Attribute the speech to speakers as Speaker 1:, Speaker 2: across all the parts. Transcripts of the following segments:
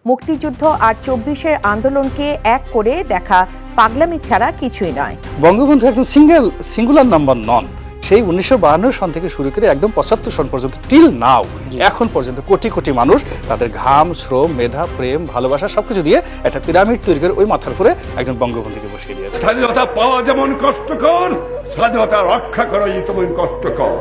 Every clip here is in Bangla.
Speaker 1: মুক্তিযুদ্ধ আর ২৪-এর আন্দোলনকে এক করে দেখা পাগলামি ছাড়া কিছুই নয়।
Speaker 2: বঙ্গবন্ধু একদম সিঙ্গুলার নাম্বার নন। সেই ১৯৫২ সন থেকে শুরু করে একদম ৭৫ সন পর্যন্ত টিল নাও এখন পর্যন্ত কোটি কোটি মানুষ তাদের ঘাম, শ্রম, মেধা, প্রেম, ভালোবাসা সবকিছু দিয়ে একটা পিরামিড তৈরি করে ওই মাথার উপরে একজন বঙ্গবন্ধুকে বসিয়ে দিয়েছে।
Speaker 3: স্বাধীনতা পাওয়া যেমন কষ্টকর, স্বাধীনতা রক্ষা করাই তেমন কষ্টকর।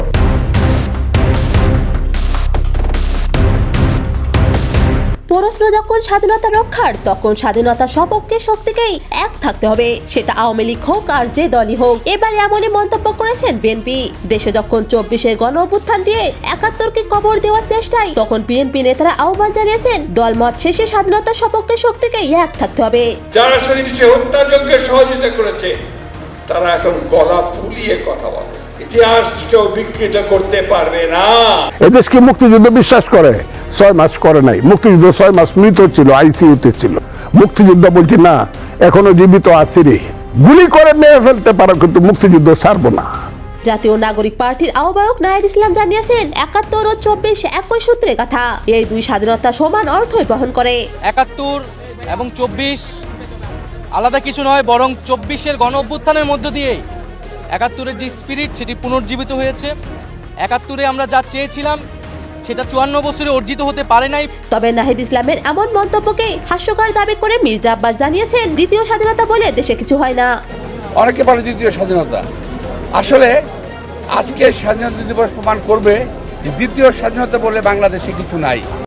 Speaker 4: প্রশ্ন যখন স্বাধীনতা রক্ষার, তখন স্বাধীনতা সপক্ষে শক্তিকেই এক থাকতে হবে, সেটা আওয়ামী লীগ হোক আর যে দলই হোক। এবার এমনই মন্তব্য করেছেন বিএনপি। দেশে যখন ২৪-এর গণ অভ্যুত্থান দিয়ে ৭১-কে কবর দেওয়ার চেষ্টায়, তখন বিএনপি নেতারা আহ্বান জানিয়েছেন দলমত শেষে স্বাধীনতা সপক্ষে শক্তিকেই এক থাকতে হবে।
Speaker 3: যারা সে হত্যাযজ্ঞে সহযোগিতা করেছে তারা এখন গলা ফুলিয়ে কথা বলে, ইতিহাস কেউ বিকৃত করতে পারবে না।
Speaker 5: এদেশকে মুক্তিযুদ্ধ বিশ্বাস করে ৬ মাস করে নাই। মুক্তিযুদ্ধ ৬ মাস মৃত ছিল, আইসিইউতে ছিল। মুক্তিযুদ্ধ বলছি না, এখনো জীবিত আছি রে। গুলি করে মেরে ফেলতে পারো, কিন্তু মুক্তিযুদ্ধ ছাড়বো না।
Speaker 4: জাতীয় নাগরিক পার্টির আহ্বায়ক নাহিদ ইসলাম জানিয়েছেন ৭১ ও ২৪ একই সূত্রে কথা। এই দুই স্বাধীনতা সমান অর্থই বহন করে।
Speaker 6: ৭১ এবং ২৪ আলাদা কিছু নয়, বরং ২৪-এর গণ অভ্যুত্থানের মধ্য দিয়ে ৭১-এর যে স্পিরিট সেটি পুনর্জীবিত হয়েছে। ৭১-এ আমরা যা চেয়েছিলাম সেটা ৫৪ বছরে অর্জিত হতে পারে নাই।
Speaker 4: তবে নাহিদ ইসলামের এমন মন্তব্যকে হাস্যকর দাবি করে মির্জা আব্বাস জানিয়েছেন দ্বিতীয় স্বাধীনতা বলে দেশে কিছু হয় না।
Speaker 7: অনেকে বলে দ্বিতীয় স্বাধীনতা, আসলে আজকে স্বাধীনতা দিবস প্রমাণ করবে যে দ্বিতীয় স্বাধীনতা বলে বাংলাদেশে কিছু নাই।